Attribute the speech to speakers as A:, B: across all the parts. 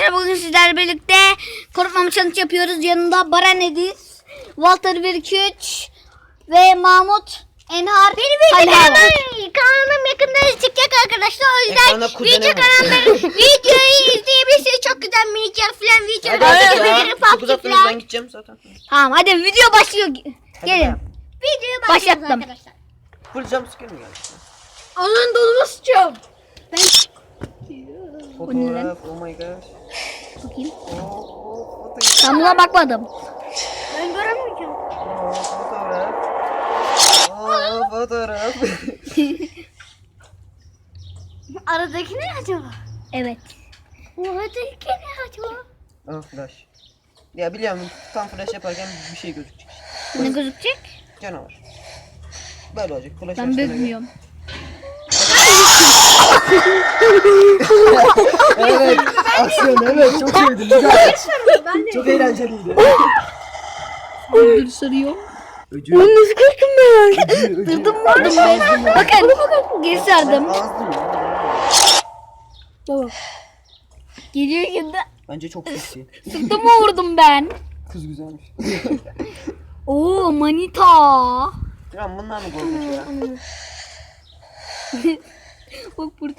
A: arkadaşlar, bugün sizlerle birlikte korkmama challenge yapıyoruz. Yanında Baran Ediz, Walter 1-2-3 ve Mahmut Enhar.
B: Benim kanalım yakında çıkacak arkadaşlar. O yüzden videoyu izleyebilirsiniz. Çok güzel minikler falan videolar.
C: Ben gideceğim zaten.
A: Tamam, hadi video başlıyor. Gelin.
B: Videoya
A: Başlattım.
B: başlıyoruz arkadaşlar.
C: Full jumpscare mi geldi?
B: Alın dolumu sıçıyorum.
C: Fotoğraf, oh my god.
A: Bakayım.
C: Fotoğraf.
A: Ben buna bakmadım.
B: Ben göremeyeceğim.
C: Fotoğraf. Fotoğraf.
B: Aradaki ne acaba?
A: Evet.
B: Aradaki ne acaba?
C: Ah flash. Ya biliyorum tam flash yaparken bir şey gözükecek.
A: Ne gözükecek?
C: Canavar. Böyle olacak. Flash
A: Ben
C: açtığına göre.
A: bilmiyorum.
C: Evet. Aksiyon evet çok sevdim. Güzel. Çok eğlenceliydi.
A: Dur sarıyor.
C: Öcü.
A: Nasıl korktum ben?
C: Öcü.
A: Dırdım vardım ben. Bakın. Geri sardım.
C: Ağzım ya.
A: Baba. Geliyor şimdi.
C: Bence çok seksi.
A: Sırtıma vurdum ben.
C: Kız güzelmiş.
A: Oo, manita.
C: Ya bunlar mı korkunç ya?
A: Bak burada.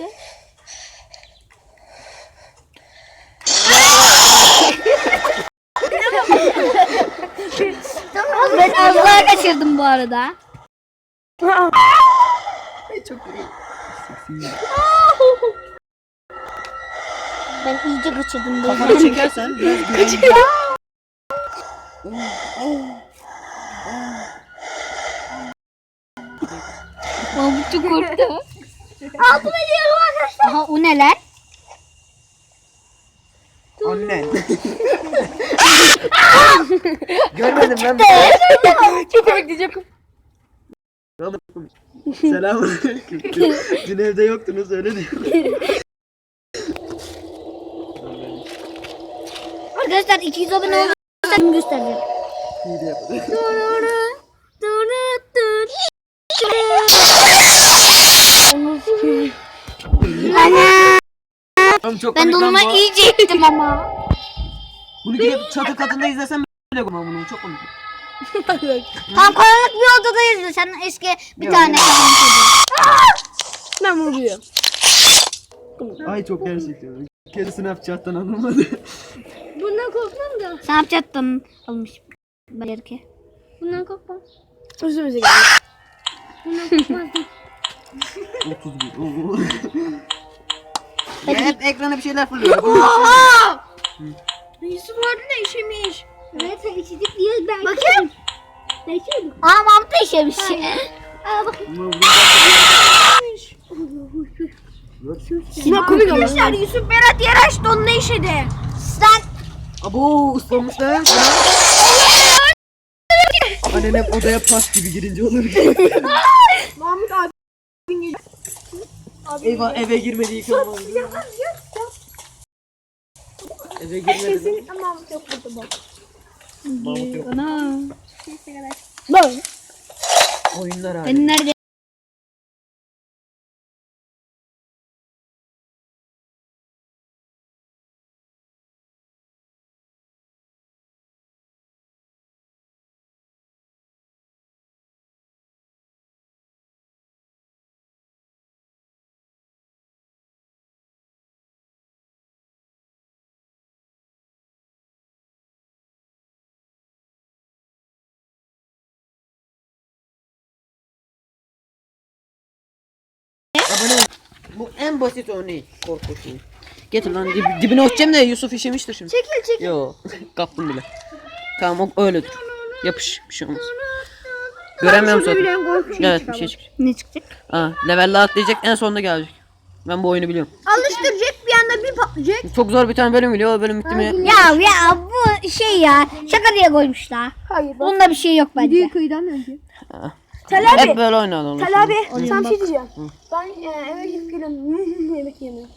A: Ben Allah'a kaçırdım bu arada.
C: Çok iyi. Seksi.
A: Ben iyice kaçırdım.
C: Kafanı çekersen biraz güvenli.
A: Mahmut çok korktu.
B: Altıma diyorum arkadaşlar.
A: Aha, o neler?
C: Annen. Görmedim ben.
A: Çok bekleyeceğim.
C: Selamünaleyküm. Dün evde yoktunuz öyle diyor.
A: Arkadaşlar 200 abone olursa göstereceğim.
C: İyi de yapalım. Oğlum çok
A: Ben
C: komik lan
A: donuma
C: bu.
A: iyice ettim ama.
C: Bunu gidip çatı katında izlesem bile koymam bunu. Çok komik.
A: Tam karanlık bir odada izle. Sen eski bir
C: Yok,
A: tane
C: yok.
A: karanlık odada.
B: Ben vuruyorum.
C: Ay çok gerçekten. Kedi Snapchat'tan anlamadı.
B: Bundan korkmam da.
A: Snapchat'tan almış. Belki.
B: Bundan korkmam.
D: Özümüze geldi.
B: Bundan korkmazdım.
C: 31. Oo. Ya hep ekrana bir şeyler fırlıyor.
B: Yusuf orada ne işemiş? Evet sen içecek diye ben. Bakayım. Ne içiyordun?
A: Aa, Mahmut da işemiş.
B: Aa bakayım.
A: Sinan komik ama.
B: Arkadaşlar Yusuf Berat yer açtı onun ne işedi?
A: Sen
C: Abo ıslanmış lan. Annen hep odaya pas gibi girince olur.
D: Mahmut abi.
C: Eyvah eve girmedi yıkanmadı. Eve girmedi.
D: Mahmut yok burada bak.
C: Mahmut yok.
A: Ana.
D: Bak.
C: Oyunlar abi.
A: Ben nerede?
C: Abone ol. Bu en basit örneği korku şeyi. Getir lan dibine atacağım da Yusuf işemiştir şimdi.
B: Çekil.
C: Yo kaptım bile. Tamam o öyledir. Yapış bir şey olmaz. Göremiyorum zaten. Evet bir şey çıkacak.
A: Ne çıkacak?
C: Aa level'la atlayacak en sonunda gelecek. Ben bu oyunu biliyorum.
B: Alıştıracak bir anda bir patlayacak.
C: Çok zor bir tane bölüm geliyor o bölüm bitti mi?
A: Ya bu şey ya. Şaka diye koymuşlar.
D: Hayır bak.
A: Bunda bir şey yok bence.
D: Videoyu kıyıdan önce.
C: Tel
D: abi.
C: Hep böyle oynadı.
D: Tel abi
A: Oyun
D: sana bir
A: bak.
D: şey diyeceğim. Ben eve gidip geliyorum. Yemek yemiyorum.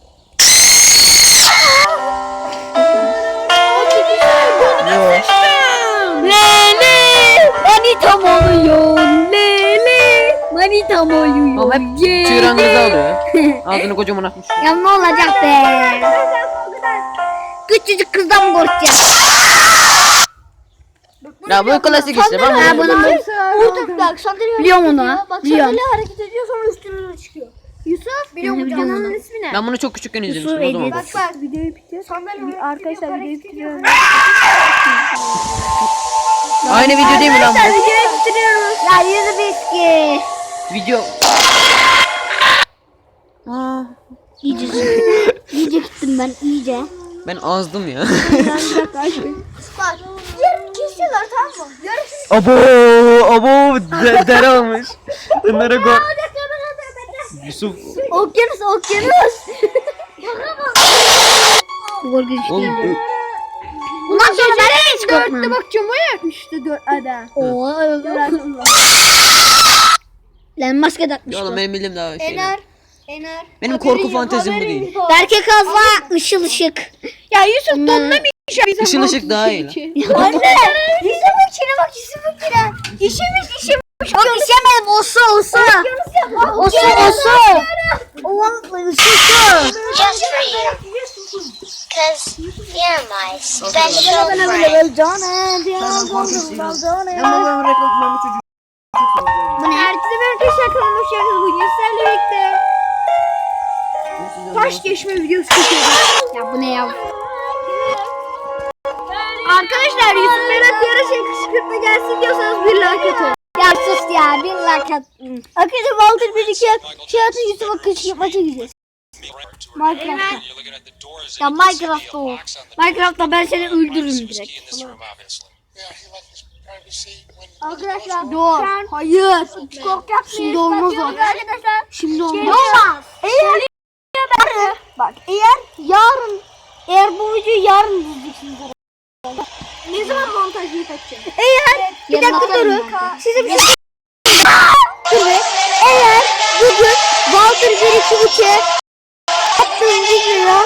A: Lele manitam oluyor. Lele manitam oluyor.
C: Oğlum hep tüyranınızı alıyor. Ağzını kocaman atmış.
A: Ya ne olacak be? Küçücük kızdan mı korkacağız?
C: Ya bu klasik işte. Ben
A: Ha,
C: bunu...
A: bunu
D: Bak sandalye
A: biliyorum onu.
D: Bak
A: Biliyorum.
D: sandalye hareket ediyor sonra üstüne çıkıyor. Yusuf biliyor musun
A: Biliyorum
D: canının
A: onu.
D: ismi ne?
C: Ben bunu çok küçükken izlemiştim o
A: Yusuf
C: zaman.
A: Edis.
C: bak.
D: Bak videoyu bitiyor. Sandalye arkadaşlar videoyu bitiriyoruz.
C: Aynı video değil mi lan bu?
D: Videoyu bitiriyoruz.
A: Ya yüzü biski.
C: Video. Aa,
A: İyice iyice gittim ben iyice.
C: ben azdım ya.
D: Bak yarın kesiyorlar tamam mı? Yarın
C: abo dere olmuş. Bunlara go. Yusuf.
A: Okyanus. Korkunç
C: Oğlum,
A: değil. Bundan sonra ben de hiç korkmam.
D: bak cama yakmıştı 4 ada.
A: Oo. Lan maske takmış
C: ya oğlum
A: bu.
C: benim bildiğim daha şeyler.
D: Ener.
C: Benim korku fantezim bu değil.
A: Berke kazma ışıl ışık.
D: Ya Yusuf
A: Ondan...
C: Işın ışık daha iyi lan.
D: Anne. Yusuf'un içine bak Yusuf'un içine. İşemiş.
A: Yok işemedim osu. Osu. Oğlum ısı.
B: Just for you. Because you're my special friend.
A: Bu ne?
D: Herkese merhaba arkadaşlar kanalıma hoş geldiniz. Bugün sizlerle birlikte taş geçme videosu çekiyoruz.
A: Ya bu ne ya?
D: Arkadaşlar Yusuf Berat yarışa kışkırtma gelsin diyorsanız bir like atın.
A: Ya sus ya bir lakat.
D: Arkadaşlar Walter bir iki şey atın Yusuf'a kışkırtma çekeceğiz.
A: Minecraft'ta. Ya Minecraft'ta o. Minecraft'ta ben seni öldürürüm direkt.
D: Arkadaşlar doğru. Hayır. Kork yapmayın.
A: Şimdi olmaz o.
D: Arkadaşlar.
A: Şimdi olmaz.
D: Olmaz. Eğer bu videoyu yarın izleyeceksiniz. Ne zaman montajını takacağım? Eğer bir
A: Yarın
D: dakika
A: atarım
D: durun.
A: ben.
D: Size bir şey Evet. Eğer bugün Walter 1-2 attığım videoya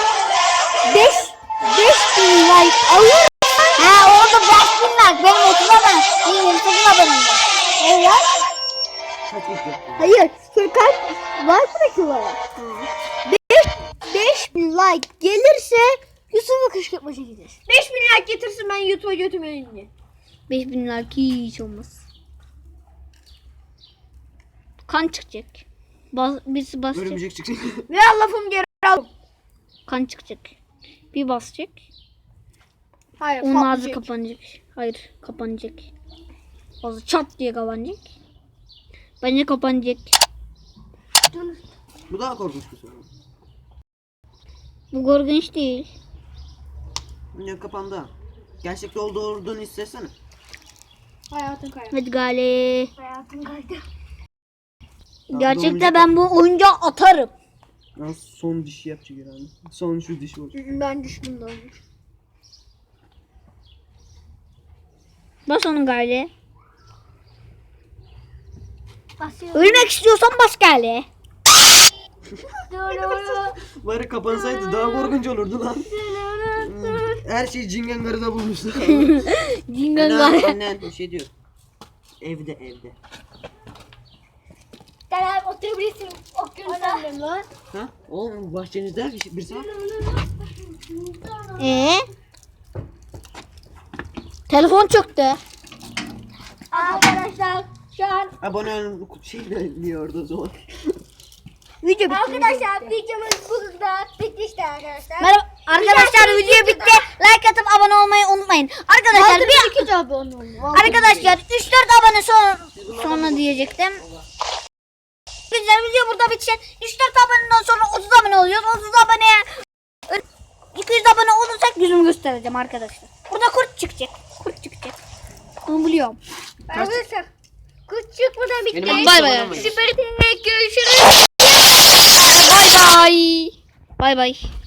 D: 5.000 like alır.
A: Ha orada 5.000 like. Benim 30 abone. Benim 28 abonem var.
D: Eğer hayır. Kaç like bırakıyorlar. 5.000 like gelirse Yusuf'a kışkırtma çekeceğiz. 5.000 like getirsin ben YouTube'a götürmeyin diye.
A: 5.000 like hiç olmaz. Kan çıkacak. Birisi basacak.
C: Örümcek çıksın.
D: Ve lafım geri al.
A: Kan çıkacak. Bir basacak.
D: Hayır.
A: Onun ağzı
D: patlayacak.
A: kapanacak. Hayır kapanacak. Ağzı çat diye kapanacak. Bence kapanacak.
C: Bu daha korkunç bir soru.
A: Bu korkunç değil.
C: Ya kapandı. Gerçekte olduğunu hissetsene.
D: Hayatın kaydı.
A: Hadi gale.
D: Hayatın kaydı.
A: Gerçekte ben bu oyuncağı atarım.
C: Ya son dişi yapacak herhalde. Son şu diş olacak.
D: Ben düştüm de olmuş.
A: Bas onun gale.
D: Basıyorum.
A: Ölmek istiyorsan bas gale.
C: Bari kapansaydı daha korkunç olurdu lan. Her şeyi Cingengarı'da bulmuşlar.
A: Cingan
C: Annen,
A: gale.
C: annen bir şey diyor. Evde.
D: Gel oturabilirsin. Okyanus'a.
C: Ha? Oğlum bahçenizde birisi var.
A: Telefon çöktü.
D: Arkadaşlar şu an
C: Abone olun şey de diyordu o zaman.
A: Video bitti.
D: arkadaşlar videomuz burada bitti işte arkadaşlar.
A: Merhaba arkadaşlar video bitti. Like atıp abone olmayı unutmayın. Arkadaşlar bir
D: abone olun.
A: arkadaşlar 3-4 abone sonra diyecektim. Güzel video burada bitecek. 3-4 aboneden sonra 30 abone oluyoruz. 30 aboneye 200 abone olursak yüzümü göstereceğim arkadaşlar. Burada kurt çıkacak. Onu biliyorum.
D: Arkadaşlar kuş çıkmadan bitti.
C: Benim
A: Bay bay.
C: abone olmayın.
D: Süper görüşürüz.
A: Bay bay. Bay bay.